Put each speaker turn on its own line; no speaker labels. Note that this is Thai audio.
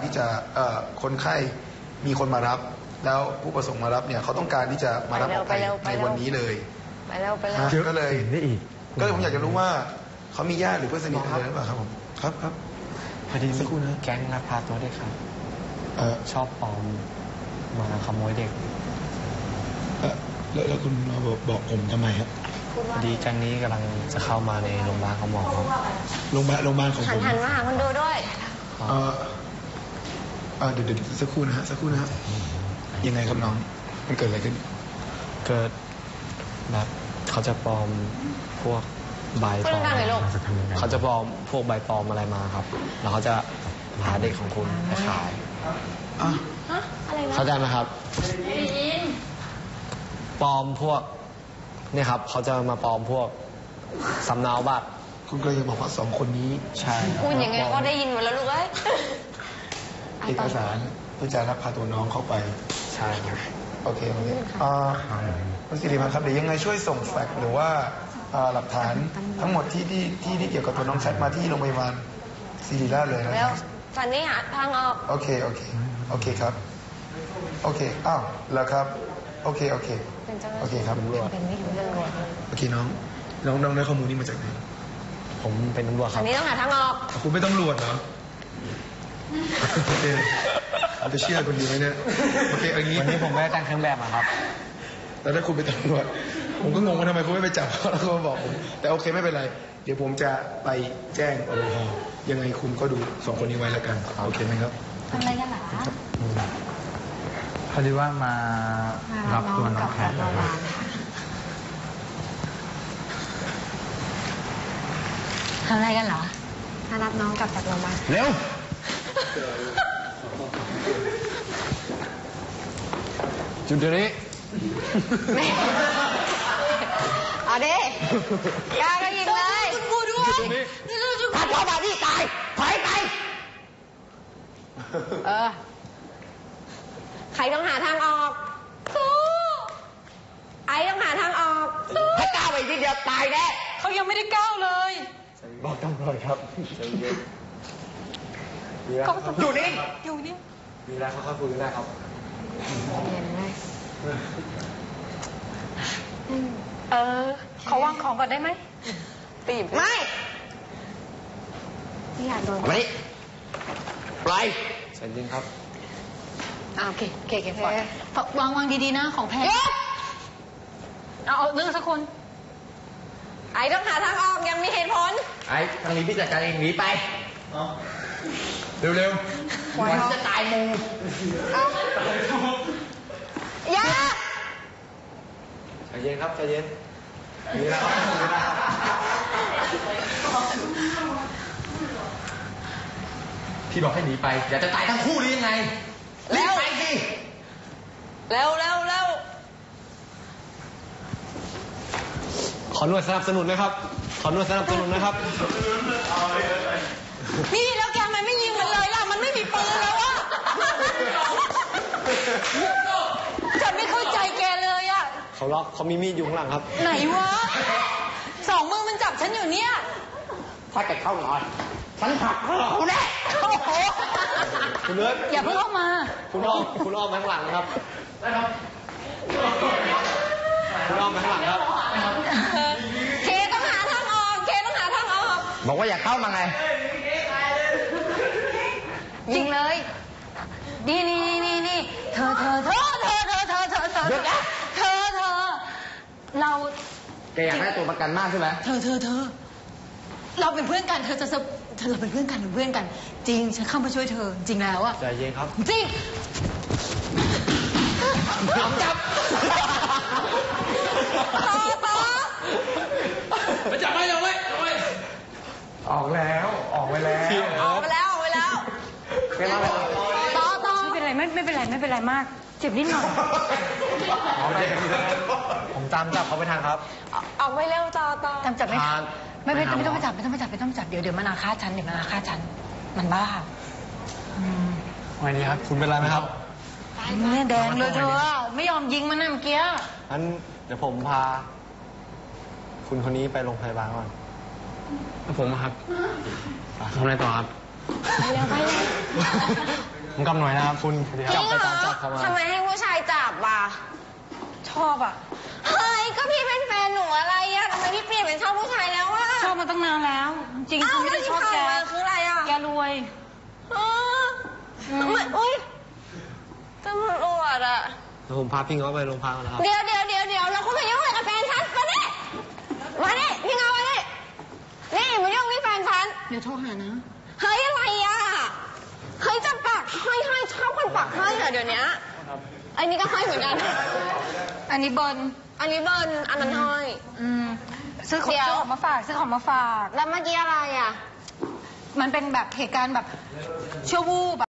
ที่จะคนไข้มีคนมารับแล้วผู้ประสงค์มารับเนี่ยเขาต้องการที่จะมารับออกไปในวันนี้เลย
ไปแล้ว
ก็เลยผมอยากจะรู้ว่าเขามีญาติหรือเพื่อนสนิทอะไรหรือเปล่าครับผมครับ
พอดีสักครู่นะแก๊งลักพาตัวเด็กครับชอบปลอมมาขโมยเด็ก
แล้วคุณมาบอกผมทำไมครับ
พอดีแก๊งนี้กำลังจะเข้ามาในโรงพยาบาลของหมอ
โรงพยาบาลของผม
หันมาหาคนดูด้วย
เดี๋ยวสักครู่นะฮะยังไงครับน้องมันเกิดอะไรขึ้น
เกิดแบบเขาจะปลอมพวกใบปลอมเขาจะปลอมพวกใบปลอมอะไรมาครับแล้วเขาจะพาเด็กของคุณไปขายเข้าใจไหมครับปลอมพวกเนี่ยครับเขาจะมาปลอมพวกสำเนาบัตร
คุณก็ยังบอกว่า2 คนนี้
ใช่
คุณยังไงก็ได้ยินหมดแล้วลูกเอ้ย
เอกสารเพื่อจะรับพาตัวน้องเข้าไป
ใช่ครับ
โอเคคุณสิริพันธ์ครับเดี๋ยวยังไงช่วยส่งแฟกซ์หรือว่าหลักฐานทั้งหมดที่เกี่ยวกับตัวน้องแชทมาที่โรงพยาบาลศิริราชเลยนะครับ
ตอนนี้หาทางออก
โอเคครับโอเคอ้าวแล้วครับโอเคครับ
เป็นไม่รู้เรื่องเลย
โอเคน้องได้ข้อมูลนี้มาจากไหน
ผมเป็นตำรวจครับ
อันนี้ต้องหาทางออก
คุณไม่ต้องตำรวจเหรอโอเคเราจะเชื่อคุณดีไหมเนี่ยโอเคอย่างนี้
วันนี้ผมไม่ได้แต่งเครื่องแบบมาครับ
แล้วถ้าคุณไปตำรวจผมก็งงว่าทำไมคุณไม่ไปจับเขาแล้วก็มาบอกผมแต่โอเคไม่เป็นไรเดี๋ยวผมจะไปแจ้งอรพยังไงคุณก็ดู2 คนนี้ไว้แล้วกันโอเคไหมครับ
ทำอะไรกันหรอ
พอดีว่ามารับตัวน้องแพท
ทำอะไรกันเหรอมารับน้องกลับจากโรงพยาบาล
เร็วจุดเดี๋ยวนี้
เอาดิกล้าก็ยิงเลยกูด้วย
ถ้าเข้ามาที่ตายถอยไป
ใครต้องหาทางออกสู้ไอ้ต้องหาทางออก
ถ้าก้าวไปทีเดียวตายแน่
เขายังไม่ได้ก้าวเลย
บอกตำรวจครับ
อยู่นี่
มีอะไรเขาคุยกันได้ครับ
เย็นไหมเขาวางของก่อนได้ไหมตีบไม่อยากโดน
ไม่ปล่อย
ใจเย็นครับ
โอเควางดีๆนะของแพทย์เอาเรื่องสักคนไอ้ต้องหาทางออกยังมีเหตุผล
ไอ้ทางนี้พี่จัดการเองหนีไปเร็ววันจะตายมู
อย่า
ใจเย็นครับใจเย็นมีแล้ว
พี่บอกให้หนีไปอย่าจะตายทั้งคู่นี้ยังไง
แล้ว
ไปสิ
เร็ว
ขอหน่วยสนับสนุนนะครับ
นี่แล้วแกมันไม่ยิงมันเลยล่ะมันไม่มีปืนแล้วอะฉันไม่เข้าใจแกเลยอะ
เขามีมีดอยู่ข้างหลังครับ
ไหนวะ2 มือมันจับฉันอยู่เนี่ย
ถ้าแกเข้าหน่อยฉันหักคอเขาแน่
โอ้โห
คุณเลิศ
อย่าเพิ่งเข้ามา
คุณอ้อมข้างหลังนะครับคุณอ้อมข้างหลังครับ
เคต้องหาทางออก
บอกว่าอย่าเข้ามาไง
ยิงเลยนี่เธอเรา
แกอยากได้ตัวประกันมากใช่ไหม
เธอเราเป็นเพื่อนกันเราเป็นเพื่อนกันจริงฉันเข้ามาช่วยเธอจริงแล้วอะ
ใจเย็นครับ
จริงจับต่อ
จับไม่ออกแล้ว
ต่อไม่เป็นไรมากเจ็บนิดหน่อย
ผมตามจับเขาไปทางครับ
ออกไปเร็วต่อตามจับไม่ทันไม่ต้องไปจับเดี๋ยวมันอาฆาตฉันมันบ้า
วันนี้ครับคุณเป็นไรไหมครับ
เนี่ยแดงเลยเธอไม่ยอมยิงมันนะเมื่อกี้
งั้นเดี๋ยวผมพาคุณคนนี้ไปโรงพยาบาลก่อนผมครับทำอะไรต่อครับ
ไปเร็วไปเร็ว
ผมกำหน่อยนะครับคุณ
จริงเหรอ
จับเขามา
ทำไมให้ผู้ชายจับอ่ะชอบอ่ะเฮ้ยก็พี่เป็นแฟนหนูอะไรอ่ะทำไมพี่เปลี่ยนเป็นชอบผู้ชายแล้วอ่ะ
ชอบมาตั้งนานแล้ว จริง
อ้า
ๆ
ว
ไม่
แล้ว
ได้
ที่
ชอบ
ผ่าน
แก
มาคืออะไรอ่ะ
แกรวย
อ๋อทำไมอุ้ยตำรวจอ่ะ
แล้วผมพาพี่เขาไปโรงพักแล้วครับ
เดี๋ยวแล้วคุณมายุ่งอะไรกับแฟนฉันมาดิพี่เงามาดินี่มายุ่งนี่แฟนฉัน
เดี๋ยวโทรหานะ
เฮ้ยอะไรอ่ะเฮ้ยจะปักห้อยชอบคนปักห้อยเหรอเดี๋ยวนี้อันนี้ก็ห้อยเหมือนกัน
อันนี้เบิร์น
อันนี้เบิร์นอันนั้นห้อย
ซื้อของมาฝากซื้อของมาฝาก
แล้วเมื่อกี้อะไรอ่ะ
มันเป็นแบบเหตุการณ์แบบชั่ววูบ